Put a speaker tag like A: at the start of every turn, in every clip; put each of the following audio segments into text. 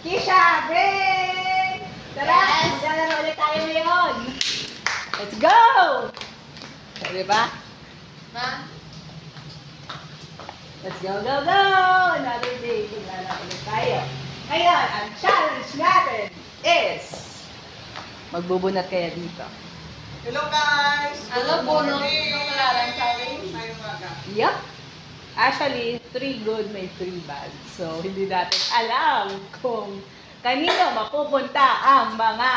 A: Kisha, break! Tara,
B: Yes.
A: maglalaro ulit tayo ngayon. Let's go! So, diba?
B: Ma?
A: Let's go, go, go! Another day, maglalaro ulit tayo. Ngayon, ang challenge natin is magbubunot kaya dito.
C: Hello guys!
B: Ano,
C: Good
B: bunot
C: morning!
B: yung kalaran challenge?
C: Ngayong umaga.
A: Yup. Actually, 3 good may 3 bad. So, hindi natin alam kung kanino mapupunta ang mga...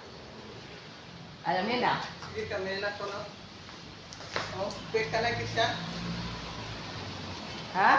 A: Alam niyo na.
C: Sige, Camila ko no? Oh, pick ka na siya.
A: Ha?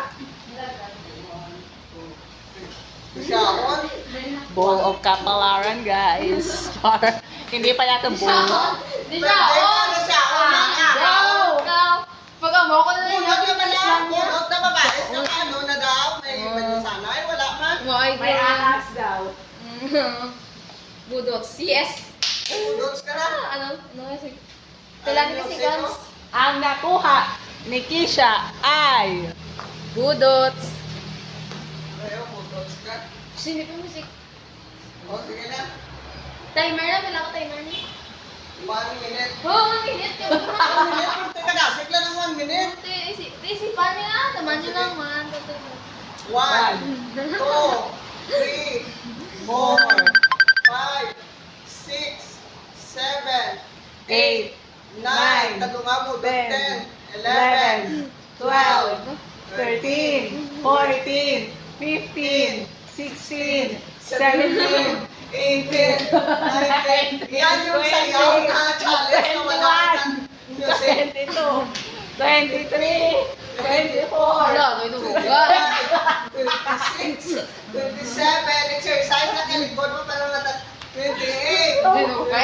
C: Siya on.
A: Bowl of Kapalaran, guys. Char. Hindi pa yata bowl.
B: Di siya, oh!
C: na siya on na nga.
A: Go!
B: Ikaw, pag amo ko na lang
C: Bunot
B: yung
C: naman
B: bilis
C: na.
B: lang niya.
C: Bunot na babae. Sa ano na daw. May sana. Ay, wala man.
B: May
A: May ahas daw.
B: Budot. Yes.
C: Bunots ka na.
B: Ano? Sige. Kailangan kasi guns.
A: Ang nakuha ni Kisha ay...
B: Budots.
C: Ayaw, bunots ka.
B: Sino pa music?
C: Oh, sige na.
B: Timer na, wala ko timer na.
C: 1 minute.
B: Oh, 1 minute.
C: 1 minute. Punta ka gasik lang ng 1 minute.
B: Isipan niya na. Taman niyo lang, man.
C: 1, 2, 3, 4, 5, 6, 7,
A: 8,
C: 9, talungabo, 10, 11,
A: 12, 13, 14, 15, 16, 17, 18, 19. Yan yung sayaw na challenge na wala kang music. 22, 23, 24,
B: Wala, ito buga.
C: 26, 27, exercise na kalikod mo pero nata 28,
B: Dinukay.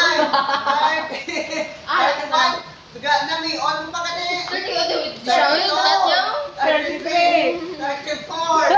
C: 29, 30, 31, duga na may on pa ka ni.
B: 30, siya yun, lahat niya.
C: 33, 34,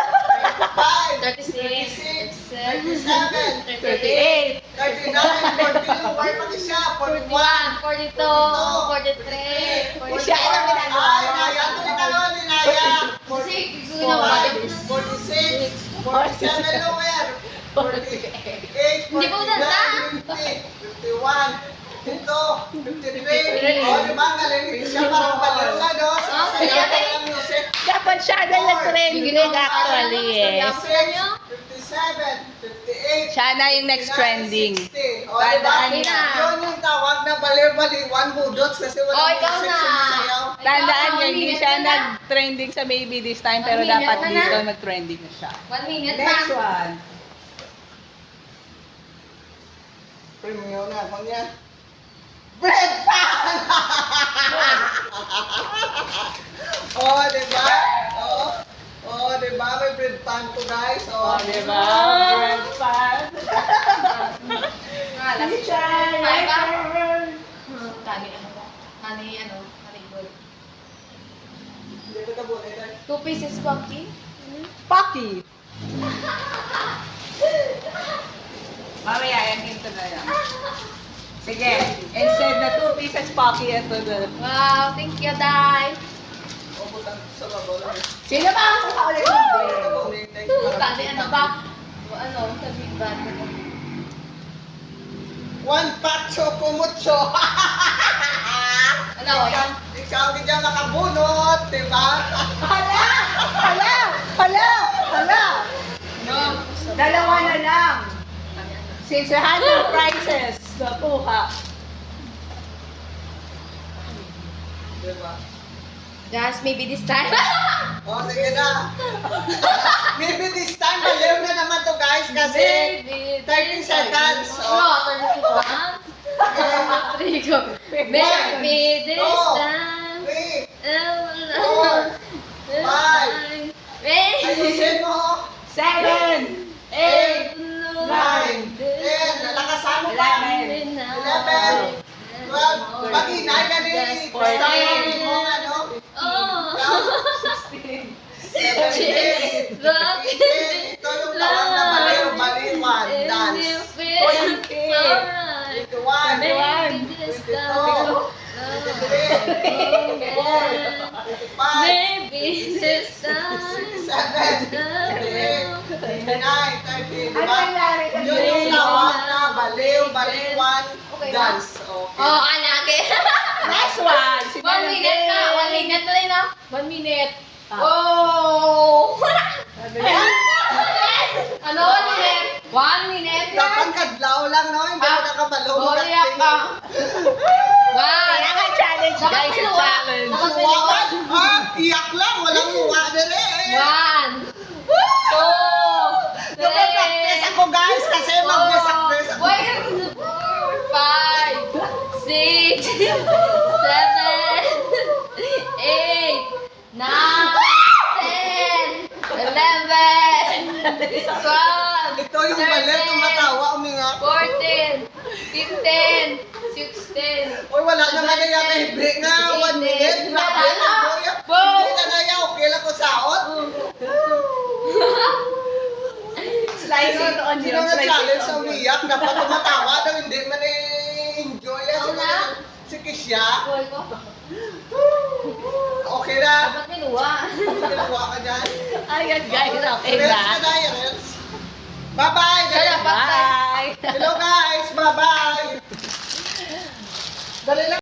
C: 35,
B: 36,
C: 37,
A: 38,
C: 39, 40, where pa siya? 41,
B: 41, 42, 43,
A: Siya ay ang ginagawa.
C: Ay, naya, ito na karoon ni Naya.
B: 46, gusto na ba?
C: 46, 47 lower, 48,
B: Hindi ko tanda.
C: 50, 51, 53. O, di ba? Galing siya parang baliw na, no?
B: Ah,
C: Sasayaw
B: kaya-
C: ka ng music.
A: Dapat siya na nag-trending actually eh.
C: 57, 58.
A: Siya na yung next
C: 59,
A: trending.
C: 60. O, di ba?
A: Tandaan
B: niya.
C: Yun yung tawag na baliw-baliwan budots kasi
B: O,
C: walang
B: ikaw
C: music
B: na.
C: sumasayaw.
A: Tandaan nyo,
B: Ikaw,
A: hindi
B: minute
A: siya
B: na na.
A: nag-trending sa Baby this time, pero
B: 1 minute
A: dapat
B: na na.
A: dito nag-trending na siya.
B: 1 minute
A: Next
B: na.
A: one.
C: Premium na ako niya. Bread pan! Oh, di ba? Oh, di ba? May bread pan ko, guys.
A: Oh, di ba? Bread pan.
B: Ah, last
A: Kisha,
B: Five ba?
A: your turn.
B: Kani ano ba? Kani good.
C: Hindi ko tabunin na.
B: 2 pieces pumpkin.
A: Pocky. Mamaya, yan hinto na lang. Sige, instead na 2 pieces Pocky, ito na.
B: Wow, thank you, Dai.
C: O, butang sa babaw lang.
A: Sino ba ang kakaulit ng bread?
C: Tabunin na.
B: Kani ano ba? Ano, sa big band.
C: One pacho kumucho.
B: Ano, yan?
C: Ikaw hindi dyan makabunot, di ba?
A: Hala! Hala! Hala! Hala!
B: No.
A: Dalawa na lang. Since lahat ng prizes nakuha.
C: Di ba?
B: Guys, maybe this time.
C: O, sige na. Maybe this time, baliw na naman to, guys, kasi
B: Maybe
C: 30 seconds.
B: Oh, 30 seconds. 3 go. Maybe this
C: Two,
B: time.
C: 3, 4, 5. ayusin mo.
A: 7, 8,
C: 9, 10, nalakasan mo pa. 11, 12, pag inay na ni Christine mo, ano?
B: Oh.
C: 16, 17, 18, ito yung tawag na baliw-baliwan dance. 21, 25,
B: Maybe this time.
C: 27, 28, 29, 30, di
A: Ano
C: ba?
A: nangyari kasi?
C: Yun yung tawag na baliw, baliwan,
B: Okay ba?
C: dance. Okay.
B: Oh, anake.
A: Next one. Si
B: 1 minute na. 1 minute na rin na. 1 minute.
A: Ah.
B: Oh!
A: Ano yan?
B: Ano 1 minute? 1 minute.
C: Dapat kadlaw lang, no? Hindi mo nakabalaw
B: Oh, iyak ka.
A: Kaya nga challenge guys,
B: Nakapiliwa.
A: challenge.
B: Nakapiliwa.
C: Iyak lang, walang muwa na rin.
B: 1, 2, 3,
C: Nagpa-practice ako guys kasi mag-practice ako.
B: 4, 5, 6, 7, 8, 9, 10, 11, 12,
C: Ito yung balit, tumatawa, uminga.
B: 14, 15, 16.
C: Uy, wala naman na yung break nga, 1 minute. Grabe na, boy. Hindi na na yan, okay lang ko saot.
A: Slice it on
C: Sino
A: yun.
C: na
A: Slice
C: challenge
A: it
C: sa
A: on yun.
C: umiyak, dapat tumatawa daw, hindi man enjoy yan.
B: Ako na.
C: Si Kisha,
B: Boy ko.
C: okay na.
B: Dapat minuwa.
C: Ginawa ka dyan.
A: Ayan guys, okay
C: Rels
A: na.
C: ka na, Rels. Bye-bye.
B: Kaya
A: Bye!
C: Hello guys, bye-bye. Dali lang.